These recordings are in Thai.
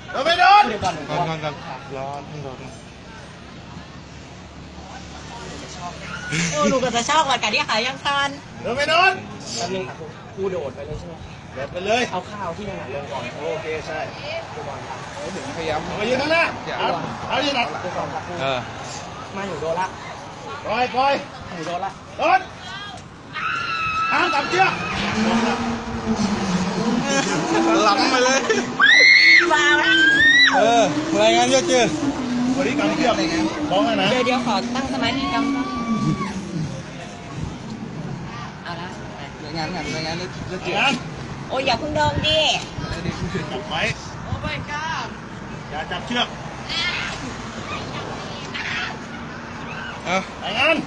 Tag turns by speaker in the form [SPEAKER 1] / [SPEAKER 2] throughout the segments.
[SPEAKER 1] เราไม่โดน
[SPEAKER 2] ก่อนร้อนโดน
[SPEAKER 3] โอ้หนูก็จะชอบวันกันที่ขายยังทัน
[SPEAKER 1] เราไม่โดน
[SPEAKER 4] แล้วนึงครูโดดไปเลยใช่ไหม
[SPEAKER 1] โดดไปเลย
[SPEAKER 4] เอาข้าวที่ถนัดลงก่อน
[SPEAKER 1] โอเคใช่
[SPEAKER 4] ครูบอลครับ
[SPEAKER 2] ถึงพยายาม
[SPEAKER 1] มายืนข้างหน้าเอายืนหนัก
[SPEAKER 4] ครูบอลครับครู มาอยู่โดนละ
[SPEAKER 1] ปล่อย
[SPEAKER 4] อยู่โดนละ
[SPEAKER 1] โดนห้ามจับเชือก
[SPEAKER 2] หลังไปเลย
[SPEAKER 3] ฟาวนะ
[SPEAKER 2] รายงานเยอะเจอ
[SPEAKER 1] วันนี้กำเชือกบ้องนะ
[SPEAKER 3] เดี๋ยวขอตั้งสมาธิกำเอาละ
[SPEAKER 2] รายงานเยอะเจอ
[SPEAKER 1] งั้น
[SPEAKER 3] โอ้ยอย่าเพิ่งโดนดิ
[SPEAKER 1] จับไว้โอ้ไม่กล้าอย่าจับเชือก
[SPEAKER 2] เอา
[SPEAKER 1] รายงาน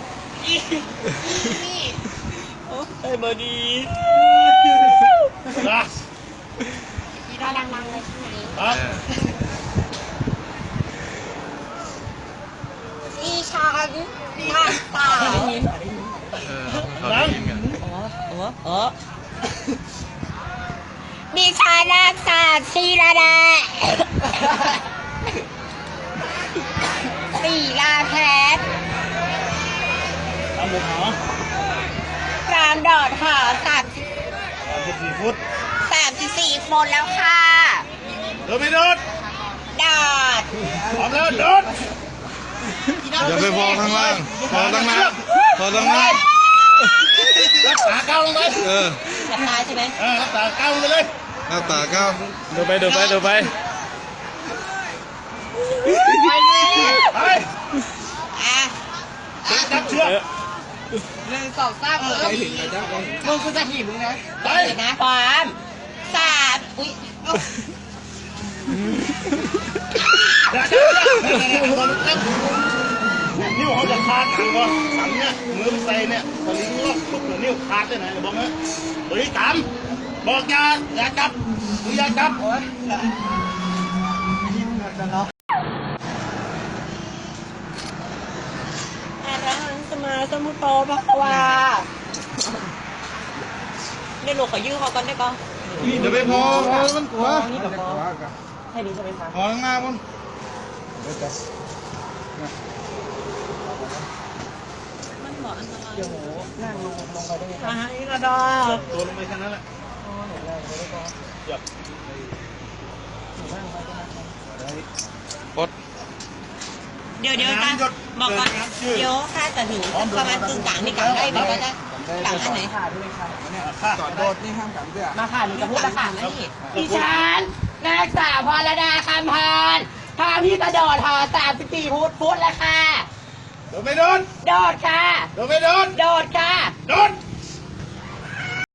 [SPEAKER 3] โอ้ยบอดี
[SPEAKER 1] นะ
[SPEAKER 3] ได้ดังๆเลยใช่ไหม
[SPEAKER 1] ครับ
[SPEAKER 3] ดิฉันนักสาว
[SPEAKER 2] เขาได้ยินกัน
[SPEAKER 3] ดิฉันนักสาวศิรดาศิลาแพทย์
[SPEAKER 1] ตามบุกหอ
[SPEAKER 3] กรามดอดหอ
[SPEAKER 1] 34 ฟุต
[SPEAKER 3] 34 คนแล้วค่ะ
[SPEAKER 1] เราไม่โดน
[SPEAKER 3] ดอด
[SPEAKER 1] พร้อมแล้วโดน
[SPEAKER 2] อย่าไปพอข้างล่างพอตั้งน้ำพอตั้งน้
[SPEAKER 1] รักษาก้าวลงไป
[SPEAKER 2] ำ
[SPEAKER 3] จะตายใช่ไหม
[SPEAKER 1] รักษาก้าวลงไปเลย
[SPEAKER 2] หน้าตาก้าว
[SPEAKER 4] ดูไป
[SPEAKER 1] ไป
[SPEAKER 3] ไป อ่ะ
[SPEAKER 1] จับเชือก
[SPEAKER 3] มึงกูจะหิมนะ
[SPEAKER 1] ไป
[SPEAKER 3] เดี๋ยวนะความสามอุ้ย
[SPEAKER 1] อย่าจับเชือกนิ้วเขาจะขาดถังวะถังเนี่ยมือมันใส่เนี่ยสลิงล็อกปุ๊บนิ้วขาดได้ไหนบอกนะตัวนี้ตามบอกอย่าจับอย่าจับ
[SPEAKER 3] อะระหังสมาสมุทโตภะคะวาเดี๋ยวหนูขอยื้อเขาก่อนได้ปะ
[SPEAKER 2] อย่าไปพอมันกลัว
[SPEAKER 4] นี่กับพอแค่นี้ใช่ไหมคะ
[SPEAKER 2] พอข้างหน้ามัน
[SPEAKER 3] มันบอกอันตราย
[SPEAKER 4] เดี๋ยวหนูนั่งลงไปได้ไหมค
[SPEAKER 3] มา
[SPEAKER 4] รับ
[SPEAKER 3] หาอีกระดอ
[SPEAKER 1] ตัวลงไปแค่นั้นแหละ
[SPEAKER 4] อ๋อหนูนั่งไปได้ก่อน
[SPEAKER 1] เหยียบ
[SPEAKER 4] หนูนั่งไปได้ไหม
[SPEAKER 2] ปด
[SPEAKER 3] เดี๋ยวกันบอกก่อนเดี๋ยวถ้าจะถึงประมาณครึ่งกลางนี่กลางได้ไหมก็จะกลางอันไหน
[SPEAKER 4] ค่ะด้วยค่ะ
[SPEAKER 1] ข้า
[SPEAKER 2] ก่อนโดดนี่ห้ามกันเสื้อ
[SPEAKER 4] มาค่ะหนูจะพูด
[SPEAKER 3] กลา
[SPEAKER 4] ละ
[SPEAKER 3] ง
[SPEAKER 4] ค่ะ
[SPEAKER 3] นะนี่
[SPEAKER 4] ดิฉันนางสาวพรดาคำพรทางที่กระโดดหอ34 ฟุตแล้วค่ะ
[SPEAKER 1] โดนไม่โดน
[SPEAKER 4] โดดค่ะ
[SPEAKER 1] โดนไม่โดน
[SPEAKER 4] โด